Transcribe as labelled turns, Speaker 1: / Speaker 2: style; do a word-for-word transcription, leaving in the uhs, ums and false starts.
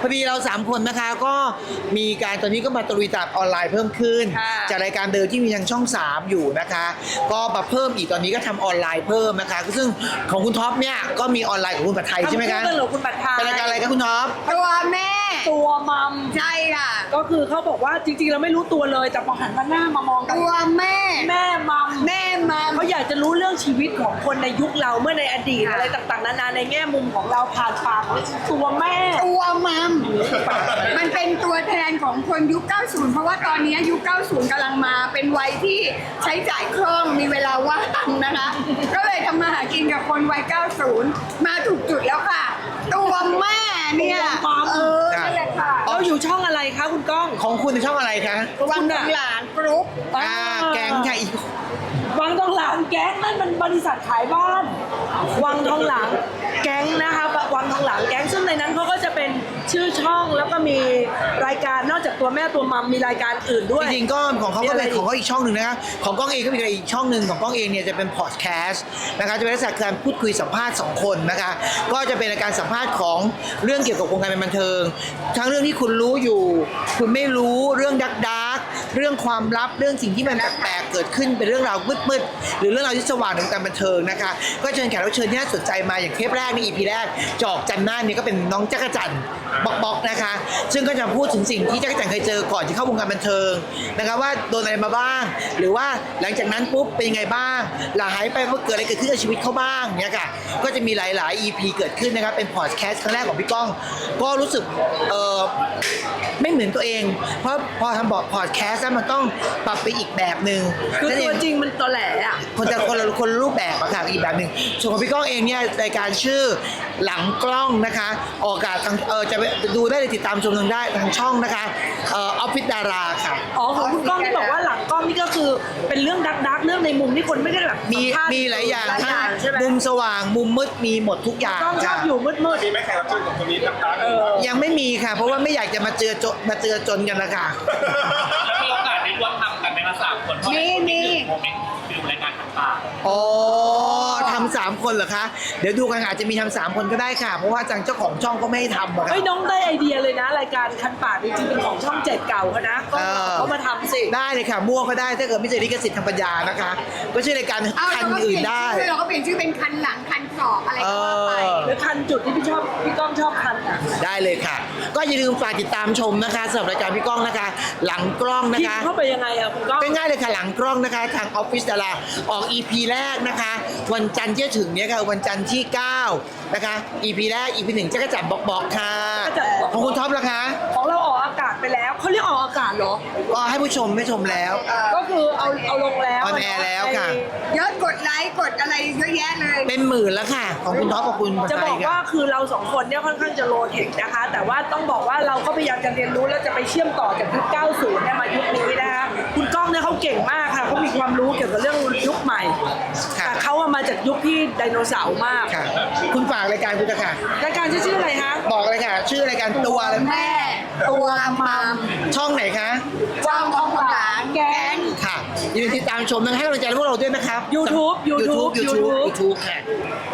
Speaker 1: พอดีเราสามคนนะคะก็มีการตอนนี้ก็มาตรุยตลาดออนไลน์เพิ่มขึ้น
Speaker 2: ค่ะ
Speaker 1: จากรายการเดิมที่มีทางช่องสามอยู่นะคะ ก็มาเพิ่มอีกตอนนี้ก็ทำออนไลน์เพิ่มนะคะซึ่งของคุณท็อปเนี่ยก็มีออนไลน์ของคุณปัทไทยใช่ไหมคะ
Speaker 2: ทำคู่กันเหรอคุณปัทไทย
Speaker 1: เป็นรายการอะไรคะคุณท็อป
Speaker 3: ตัวแม่
Speaker 2: ตัวมัม
Speaker 3: ใช่ค่ะ
Speaker 2: ก็คือเขาบอกว่าจริงๆเราไม่รู้ตัวเลยแต่พอหันมาหน้ามามองกัน
Speaker 3: ตัวแม่
Speaker 2: แม่มัม
Speaker 3: แม่มา
Speaker 2: เขาอยากจะรู้เรื่องชีวิตของคนในยุคเราเมื่อในอดีตอะไรต่างๆนานาในแง่มุมของเราผ่านปากของตัวแม่
Speaker 3: ตัวมัมมันเป็นตัวแทนของคนยุค เก้าสิบ เพราะว่าตอนนี้ยุค เก้าสิบ กำลังมาเป็นวัยที่ใช้จ่ายคล่องมีเวลาว่างนะคะ ก็เลยทำมาหากินกับคนวัย เก้าสิบ มาถูกจุดแล้วค่ะ ตัวแม่เนี่ย
Speaker 2: ตัวมัม
Speaker 3: เออนั่นแหละค่ะ
Speaker 2: เราอยู่ช่องอะไรคะคุณก้อง
Speaker 1: ของคุณช่องอะไรคะ
Speaker 3: วังหลานกรุ๊ป
Speaker 1: อ่าแก๊งค่ะอีก
Speaker 2: วังทองหลางแก๊งนั่นมันบริษัทขายบ้าน วังทองหลางแก๊งนะคะวังทองหลางแก๊งซึ่งในนั้นเขาก็จะเป็นชื่อช่องแล้วก็มีรายการนอกจากตัวแม่ตัวมัมมีรายการอื่นด้วย
Speaker 1: จริงๆก็ของเขาก็เป็น
Speaker 2: มีอะไรอีก
Speaker 1: ของเขาอีกช่องหนึ่งนะคะของก้องเองก็มีอีกช่องหนึ่งของก้องเองเนี่ยจะเป็นพอดแคสต์นะคะจะเป็นลักษณะการพูดคุยสัมภาษณ์สองคนนะคะก็จะเป็นรายการสัมภาษณ์ของเรื่องเกี่ยวกับวงการบันเทิง ทั้งเรื่องที่คุณรู้อยู่ คุณไม่รู้เรื่องดักดักเรื่องความลับเรื่องสิ่งที่มันแปลกๆเกิดขึ้นเป็นเรื่องราวมืดๆหรือเรื่องราวที่สว่างในวงการบันเทิงนะคะก็เชิญแขกรับเชิญที่น่าสนใจมาอย่างเทปแรกใน อี พี แรกจอกจันทร์หน้าเนี่ยก็เป็นน้องจักรจันทร์บ็อกบ็อกนะคะ ซึ่งก็จะพูดถึงสิ่งที่จักรจันทร์เคยเจอก่อนที่เข้าวงการบันเทิงนะคะว่าโดนอะไรมาบ้าง หรือว่าหลังจากนั้นปุ๊บเป็นยังไงบ้างหลังหายไปว่าเกิดอะไรเกิดขึ้นกับชีวิตเขาบ้างเนี่ยค่ะก็จะมีหลาย ๆ อี พี เกิดขึ้นนะครับเป็นพอดแคสต์ครั้งแรกของพี่ก้อง ก็รู้สึกเออไม่เหมือนตัวเอง เพราะพอทำบอกพอดแคสต์มันต้องปรับไปอีกแบบหนึ่ง
Speaker 2: คือ
Speaker 1: นั่น
Speaker 2: ตั
Speaker 1: เอ
Speaker 2: ว
Speaker 1: ง
Speaker 2: จริงมันตอแหลอ่ะ
Speaker 1: คนจะคนละคนละรูปแบบอะค่ะอีกแบบหนึ่งส่วนของพี่ก้องเองเนี่ยรายการชื่อหลังกล้องนะคะออกอากาศทางเออจะไปดูได้เลยติดตามชมทางได้ทางช่องนะคะเออออฟฟิศดาราค่ะ
Speaker 2: อ๋อของคุณก้องที่บอกว่าหลังกล้องนี่ก็คือเป็นเรื่องดักดักๆเรื่องในมุมที่คนไม่ได้แบบ
Speaker 1: มี
Speaker 2: สัภษณ์
Speaker 1: มีหลายอย่าง
Speaker 2: หลายอ
Speaker 1: ทั้ง
Speaker 2: ย่างใช่ไหม
Speaker 1: มุมสว่างมุมมืดมีหมดทุกอย่าง
Speaker 2: ก้องชอบ
Speaker 1: ค่ะ
Speaker 2: อยู่มืดมืด
Speaker 4: มีไหมแขกรับเชิญของคนนี้ดังๆ
Speaker 2: เออ
Speaker 1: ยังไม่มีค่ะ เพราะว่าไม่อยากจะมาเจอจมาเจอจนกันนะคะ
Speaker 5: มีโอกาสได้ร่วมทำกันไหมคะสามคนเพราะ
Speaker 3: มีมี
Speaker 5: โมเมนต์ฟิลรายการต่าง
Speaker 1: อ๋อทำสามคนเหรอคะเดี๋ยวดูกันอาจจะมีทำสามคนก็ได้ค่ะ เพราะว่าทางเจ้าของช่องก็ไม่ให้ทำอะค่ะ
Speaker 2: เฮ้ยน้องได้ไอเดียเลยนะ รายการคันปากจริงๆเป็นของช่องเจ็ดเก่าเขานะก็
Speaker 1: เออ
Speaker 2: เขามาทำสิ
Speaker 1: ได้เลยค่ะมั่วก็ได้ถ้าเกิดไม่เจอลิขสิทธิ์ทางปัญญานะคะ ก็ชื่อรายการ
Speaker 3: เอา
Speaker 1: คัน
Speaker 3: เราก็เป
Speaker 1: อื่
Speaker 3: ลี่
Speaker 1: น
Speaker 3: ยน
Speaker 1: ได้
Speaker 3: ชื่อเราก็เปลี่ยนชื่อเป็นคันหลังคันศอกอะไรก็ว่าไป
Speaker 1: เออ
Speaker 2: หรือคันจุดที่พี่ชอบพี่ก้องชอบคันอ่ะ
Speaker 1: ได้เลยค่ะ ก็อย่าลืมฝากติดตามชมนะคะสำหรับรายการพี่ก้องนะคะ หลังกล้องนะ
Speaker 2: พิม
Speaker 1: คะ
Speaker 2: พ์เข้าไปยังไงอ่ะคุณก้อง
Speaker 1: ง่ายๆเลยค่ะหลังกล้องนะคะทางออฟฟิศดาราออก อี พี แรกนะคะ วันจันทร์ที่จะถึงเนี้ยค่ะวันจันทร์ที่เก้านะคะ อี พี แรก อี พี หนึ่งจะกระจับบอกบอกค่ะ
Speaker 2: จักรจั่นบอก
Speaker 1: ของคุณท็อปล่ะคะ
Speaker 2: ของเราออกอากาศไปแล้วเขาเรียกออกอากาศเหรอ
Speaker 1: ก็ให้ผู้ชมไม่ชมแล้ว
Speaker 2: ก็คือเอาเอาลงแล้ว
Speaker 1: ออนแอร์แล้วค่ะ
Speaker 3: ยอดกดไลค์กดอะไรเยอะแยะเลย
Speaker 1: เป็นหมื่นแล้วค่ะ ของคุณท็อปกับคุณ
Speaker 2: จะบอกว่าคือเราสองคนเนี่ยค่อนข้างจะโลเทคนะคะ แต่ว่าต้องบอกว่าเราก็พยายามจะเรียนรู้แล้วจะไปเชื่อมต่อจากยุค เก้าสิบ เนี่ยมายุคนี้นะคะคุณก้องเนี่ยเขาเก่งมากค่ะเขามีความรู้เกี่ยวกับเรื่องยุคใหม่
Speaker 1: ค่ะ
Speaker 2: แต่เขาอะมาจากยุคที่ไดโนเสาร์มาก
Speaker 1: ค่ะ คุณฝากรายการคุณจะค่ะ
Speaker 2: รายการชื่ออะไรคะ
Speaker 1: บอกเลยค่ะ ชื่อรายการตัวอะไร
Speaker 3: แม่ตัวมัม
Speaker 1: ช่องไหนคะ
Speaker 3: จ้องของหลานแก๊ง
Speaker 1: ค่ะอย่าลืมติดตามชมนะให้กำลังใจพวกเราด้วยนะครับ
Speaker 2: YouTube YouTube
Speaker 1: YouTube YouTube
Speaker 2: YouTube
Speaker 1: YouTube ค่ะ